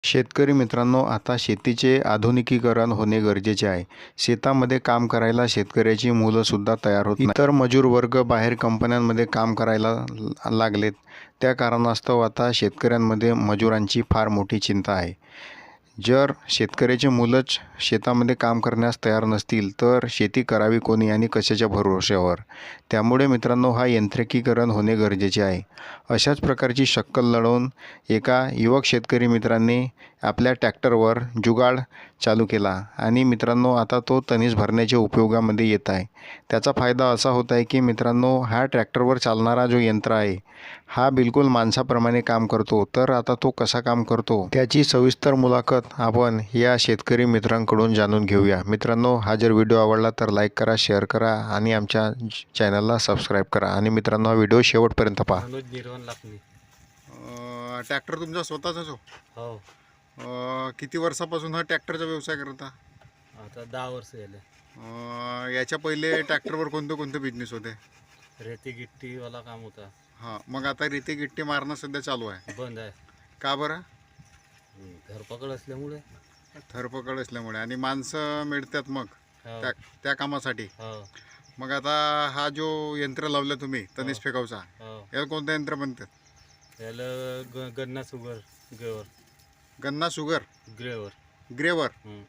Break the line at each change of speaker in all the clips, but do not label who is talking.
शेतकरी मित्रांनो, आता शेतीचे आधुनिकीकरण होणे गरजेचे आहे. शेतामध्ये काम करायला शेतकऱ्याची मुलंसुद्धा तयार होत नाही. इतर मजूर वर्ग बाहेर कंपन्यांमध्ये काम करायला लागलेत. त्या कारणास्तव आता शेतकऱ्यांमध्ये मजुरांची फार मोठी चिंता आहे. जर शेतकऱ्याचे मुलंच शेतामध्ये काम करण्यास तयार नसतील तर शेती करावी कोणी आणि कशाच्या भरोश्यावर? त्यामुळे मित्रांनो, हा यांत्रिकीकरण होणे गरजेचे आहे. अशाच प्रकारची शक्कल लढवून एका युवक शेतकरी मित्रांनी आपल्या ट्रॅक्टरवर जुगाड चालू केला आणि मित्रांनो, आता तो तणीस भरण्याच्या उपयोगामध्ये येत आहे. त्याचा फायदा असा होत आहे की मित्रांनो, हा ट्रॅक्टरवर चालणारा जो यंत्र आहे हा बिलकुल माणसाप्रमाणे काम करतो. तर आता तो कसा काम करतो त्याची सविस्तर मुलाखत आपण या शेतकरी मित्रांकडून जाणून घेऊया. मित्रांनो, हा जर व्हिडिओ आवडला तर लाईक करा, शेअर करा आणि आमच्या चॅनलला सबस्क्राईब करा. आणि मित्रांनो, हा व्हिडिओ शेवटपर्यंत पहा.
मनोज निर्वाण लाखनी.
ट्रॅक्टर तुमचा स्वतःचाच
हो,
किती वर्षापासून हा ट्रॅक्टरचा व्यवसाय करता?
आता 10 वर्ष झाले.
याच्या पहिले ट्रॅक्टरवर कोणते कोणते बिझनेस होते?
रेती गिट्टी वाला काम होता.
हां, मग आता रेती गिट्टी मारणं सध्या चालू आहे.
बंद आहे.
का बरं?
धरपकड असल्यामुळे.
धरपकड असल्यामुळे. आणि माणसं मिळतात मग
हो,
त्या कामासाठी.
हो,
मग आता हा जो यंत्र लावलं तुम्ही तणीस फेकावचा,
हो.
याला कोणतं यंत्र म्हणतात?
याला गन्ना शुगर ग्रेवर.
गन्ना शुगर
ग्रेवर.
ग्रेवर.
हं.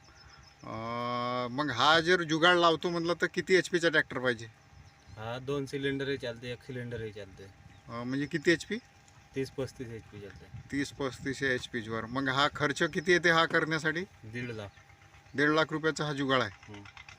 मग हा जर जुगाड लावतो म्हटलं तर किती एच पीचा ट्रॅक्टर पाहिजे?
हा 2 सिलेंडरही चालते, 1 सिलेंडरही चालते.
म्हणजे किती एच पी?
30-35 HP चालते.
30-35 एच पीवर. मग हा खर्च किती येते हा करण्यासाठी?
1.5 लाख.
1.5 लाख रुपयाचा हा जुगाड आहे.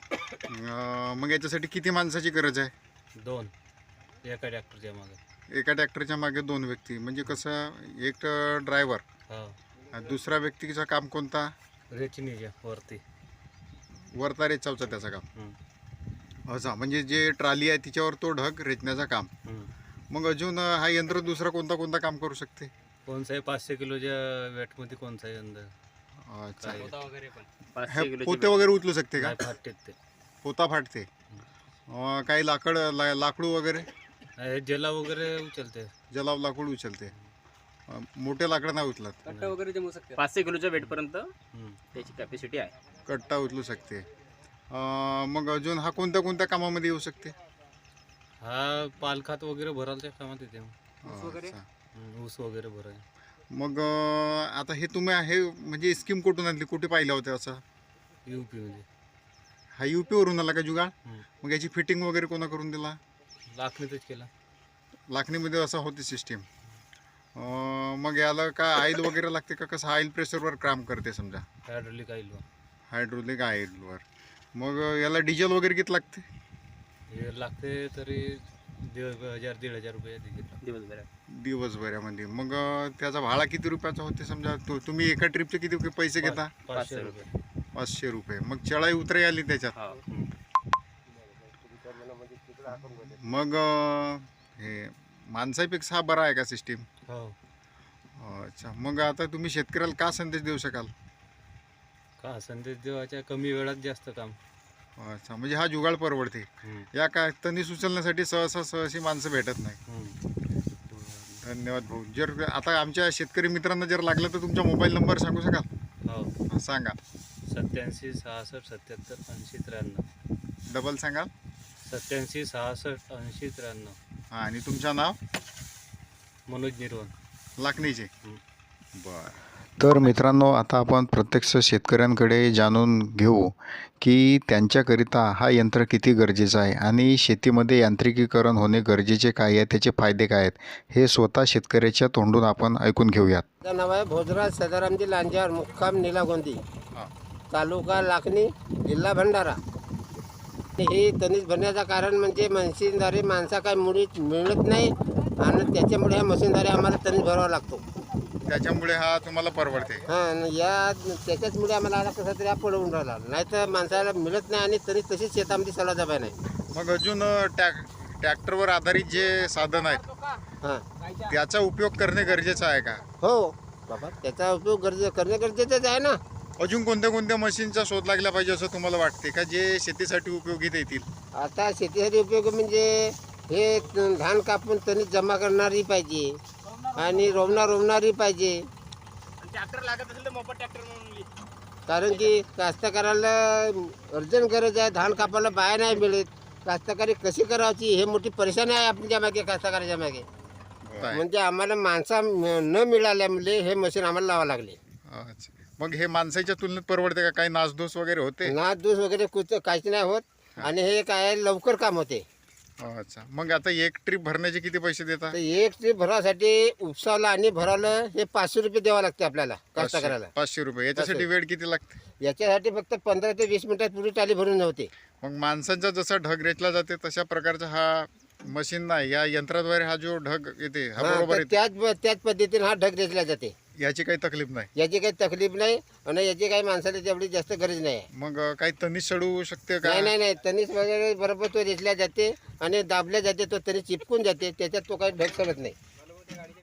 हं.
मग याच्यासाठी किती माणसाची गरज आहे?
2 एका ट्रॅक्टरच्या मागे.
एका ट्रॅक्टरच्या मागे 2 व्यक्ती. म्हणजे कसं, एक ड्रायव्हर,
हो,
दुसरा व्यक्तीचं काम कोणता?
रेचनीच्या वरती.
वरता रेचावचा त्याचं काम.
हं.
असा म्हणजे जे ट्राली आहे तिच्यावर तो ढग रेचण्याचं काम.
हं.
मग अजून हा यंत्र दुसरा कोणता काम करू शकते?
कोणताही 500 किलोच्या वेटमध्ये कोणताही अंदाज.
अच्छा.
वगैरे पण
हे पोते वगैरे उचलू शकते का?
फाटते ते.
पोता फाटते. काही लाकडू वगैरे?
जला वगैरे उचलते.
जलाव लाकूड उचलते. मोठे लाकडं नाही उचलत.
कट्टा वगैरे जमू शकते.
500 किलोच्या वेटपर्यंत त्याची कॅपॅसिटी आहे.
कट्टा उचलू शकते. मग अजून हा कोणत्या कामामध्ये येऊ शकते?
हा पालखात वगैरे भरायच्या कामात येते.
अच्छा.
ऊस वगैरे भराय.
मग आता हे तुम्ही हे म्हणजे स्कीम कुठून आणली, कुठे पाहिलं होतं असं?
UP मध्ये.
हा UP वरून आला का जुगाड?
हं.
मग याची फिटिंग वगैरे कोणा करून दिला?
लाखनीतच केला.
लाखणीमध्ये असं होती सिस्टीम. मग याला का ऑइल वगैरे लागते का? कसं ऑइल प्रेशरवर काम करते समजा?
Hydraulic oil.
हायड्रोलिक ऑइलवर. मग याला डिझेल वगैरे किती लागते?
हे लागते तरी 1,500-1,500 रुपये
दिवसभरामध्ये. मग त्याचा भाडा किती रुपयाचा होते समजा? तुम्ही एका ट्रिपचे किती पैसे घेता?
500 रुपये.
500 रुपये. मग चढाई उतराई आली त्याच्यात. मग हे माणसापेक्षा हा बरा आहे का सिस्टीम?
हो.
अच्छा. मग आता तुम्ही शेतकऱ्याला का संदेश देऊ शकाल?
का संदेश देवाच्या कमी वेळात जास्त काम.
अच्छा. म्हणजे हा जुगाड परवडते.
हं.
या काय तणीस उचलण्यासाठी सहसा माणसं भेटत नाही.
हं.
धन्यवाद भाऊ. जर आता आमच्या शेतकरी मित्रांना जर लागलं तर तुमचा मोबाईल नंबर सांगू शकाल?
हो.
सांगा.
87 66 77 80 93.
डबल सांगाल?
87 66 80 93.
हां. आणि तुमचं नाव?
मनोज निर्वाण
लाखणीचे.
हं.
बरं. तर मित्रांनो, आता आपण प्रत्यक्ष शेतकऱ्यांकडे जाणून घेऊ की त्यांच्याकरिता हा यंत्र किती गरजेचं आहे आणि शेतीमध्ये यांत्रिकीकरण होणे गरजेचे काय आहे, त्याचे फायदे काय आहेत, हे स्वतः शेतकऱ्याच्या तोंडून आपण ऐकून घेऊयात.
माझं नाव आहे भोजराज सदारामजी लांजार, मुक्काम निलागोंदी, तालुका लाखनी, जिल्हा भंडारा. हे तणीस भरण्याचं कारण म्हणजे मशीनद्वारे माणसा काय मुळीच मिळत नाही आणि त्याच्यामुळे ह्या मशीनद्वारे आम्हाला तणीस भरावा लागतो.
त्याच्यामुळे हा तुम्हाला परवडते.
हां, त्याच्याचमुळे आम्हाला आता कसं तरी हा पडवून राहिला, नाही तर माणसाला मिळत नाही आणि तणीस तशीच शेतामध्ये सला जाबाय नाही.
मग अजून ट्रॅक्टरवर आधारित जे साधन आहेत
हां,
त्याचा उपयोग करणे गरजेचं आहे का?
हो बाबा, त्याचा उपयोग करणे गरजेचंच आहे ना.
अजून कोणत्या मशीनचा शोध लागला पाहिजे असं तुम्हाला वाटते का, जे शेतीसाठी उपयोगीत येतील?
आता शेतीसाठी उपयोग म्हणजे हे धान कापून तणीस जमा करणारी पाहिजे आणि रोवणारी पाहिजे.
ट्रॅक्टर लागत असेल तर मोफत ट्रॅक्टर म्हणून घे.
कारण की कास्तकाराला अर्जंट गरज आहे, धान कापायला बाया नाही मिळत. कास्तकारी कशी करायची हे मोठी परेशानी आहे आपल्या मागे, कास्तकाराच्या मागे. म्हणजे आम्हाला माणसा न मिळाल्यामुळे हे मशीन आम्हाला लावावं लागले.
अच्छा, मग हे माणसाच्या तुलनेत परवडते का? काही नासधूस वगैरे होते?
नाद दूस वगैरे कुठं काहीच नाही होत आणि हे काय लवकर काम होते.
अच्छा, मग आता एक ट्रिप भरण्याचे किती पैसे देता?
तर एक ट्रीप भरासाठी उपसावला आणि भरावलं हे 500 रुपये द्यावं लागते आपल्याला कास्तकाराला.
500 रुपये. याच्यासाठी वेळ किती लागते?
याच्यासाठी फक्त 15 ते 20 मिनिटात पुरी टाली भरून होते.
मग माणसांचा जसा ढग रेचला जाते तशा प्रकारचा हा मशीन नाही, या यंत्राद्वारे हा जो ढग येते हा
हा,
बरोबर
तर
येते.
त्याच पद्धतीने हा ढग रेचला जाते.
याची काही तकलीफ नाही.
याची काही तकलीफ नाही आणि याची काही माणसाला तेवढी जास्त गरज नाही आहे.
मग काही तनिष चढू शकते का?
नाही नाही नाही, तणीस वगैरे बरोबर तो रेचल्या जाते आणि दाबल्या जाते, तो तरी चिपकून जाते, त्याच्यात तो काही ढग चढत नाही.